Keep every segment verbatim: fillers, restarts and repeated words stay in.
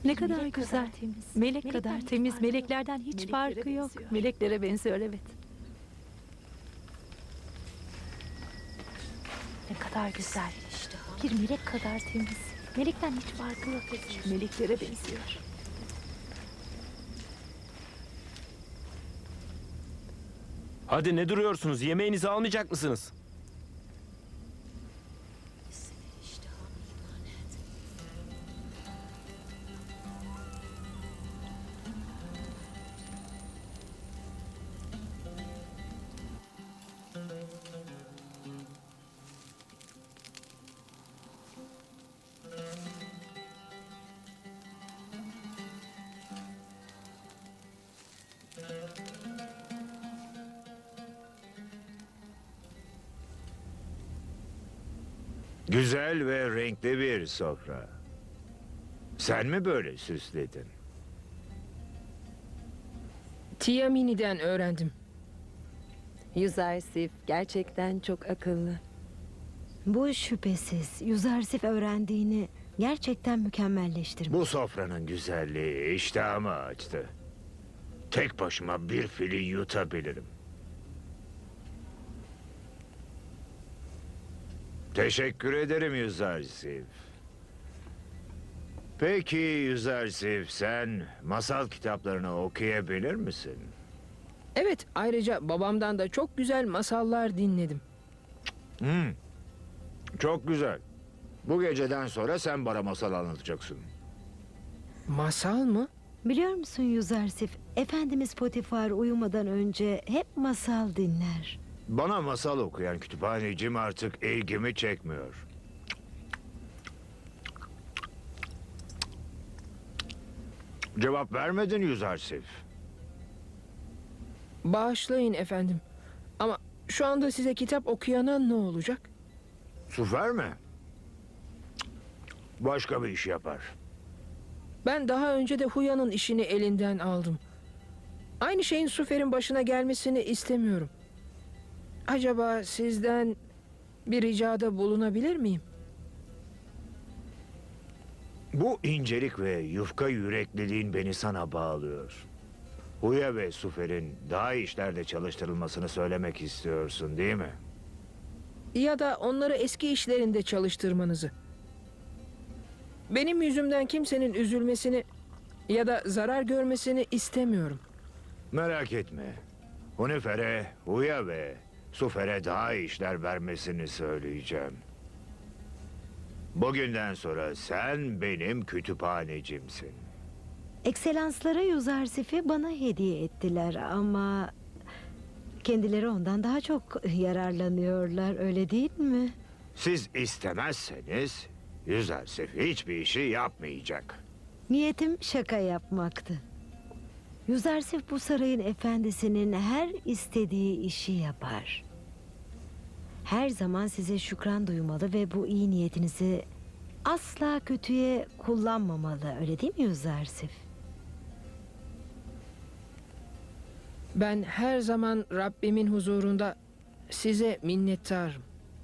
Ne kadar güzel. temiz. Melek kadar temiz. Meleklerden hiç farkı yok. Meleklere benziyor, evet. Ne kadar güzel. Bir melek kadar temiz. Melekten hiç farkı yok. Meleklere benziyor. Hadi ne duruyorsunuz? Yemeğinizi almayacak mısınız? Güzel ve renkli bir sofra. Sen mi böyle süsledin? Tiamini'den öğrendim. Yüzersif gerçekten çok akıllı. Bu şüphesiz. Yüzersif öğrendiğini gerçekten mükemmelleştirmiş. Bu sofranın güzelliği iştahımı açtı. Tek başıma bir fili yutabilirim. Teşekkür ederim Yüzersif. Peki Yüzersif, sen masal kitaplarını okuyabilir misin? Evet, ayrıca babamdan da çok güzel masallar dinledim. Hmm. Çok güzel. Bu geceden sonra sen bana masal anlatacaksın. Masal mı? Biliyor musun Yüzersif? Efendimiz Potifar uyumadan önce hep masal dinler. Bana masal okuyan kütüphanecim artık ilgimi çekmiyor. Cevap vermedin Yüzersif. Bağışlayın efendim. Ama şu anda size kitap okuyana ne olacak? Su verme. Başka bir iş yapar. Ben daha önce de Huya'nın işini elinden aldım. Aynı şeyin Sufer'in başına gelmesini istemiyorum. Acaba sizden bir ricada bulunabilir miyim? Bu incelik ve yufka yürekliliğin beni sana bağlıyor. Huya ve Sufer'in daha iyi işlerde çalıştırılmasını söylemek istiyorsun, değil mi? Ya da onları eski işlerinde çalıştırmanızı. Benim yüzümden kimsenin üzülmesini ya da zarar görmesini istemiyorum. Merak etme. Hunifer'e, Huya ve Sufer'e daha iyi işler vermesini söyleyeceğim. Bugünden sonra sen benim kütüphanecimsin. Ekselansları Yüzersif'i bana hediye ettiler ama... kendileri ondan daha çok yararlanıyorlar, öyle değil mi? Siz istemezseniz Yüzersif hiçbir işi yapmayacak. Niyetim şaka yapmaktı. Yüzersif bu sarayın efendisinin her istediği işi yapar. Her zaman size şükran duymalı ve bu iyi niyetinizi asla kötüye kullanmamalı, öyle değil mi Yüzersif? Ben her zaman Rabbimin huzurunda size minnettarım.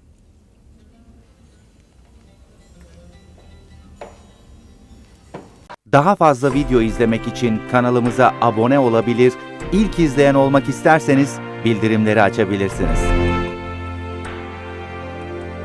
Daha fazla video izlemek için kanalımıza abone olabilir, ilk izleyen olmak isterseniz bildirimleri açabilirsiniz.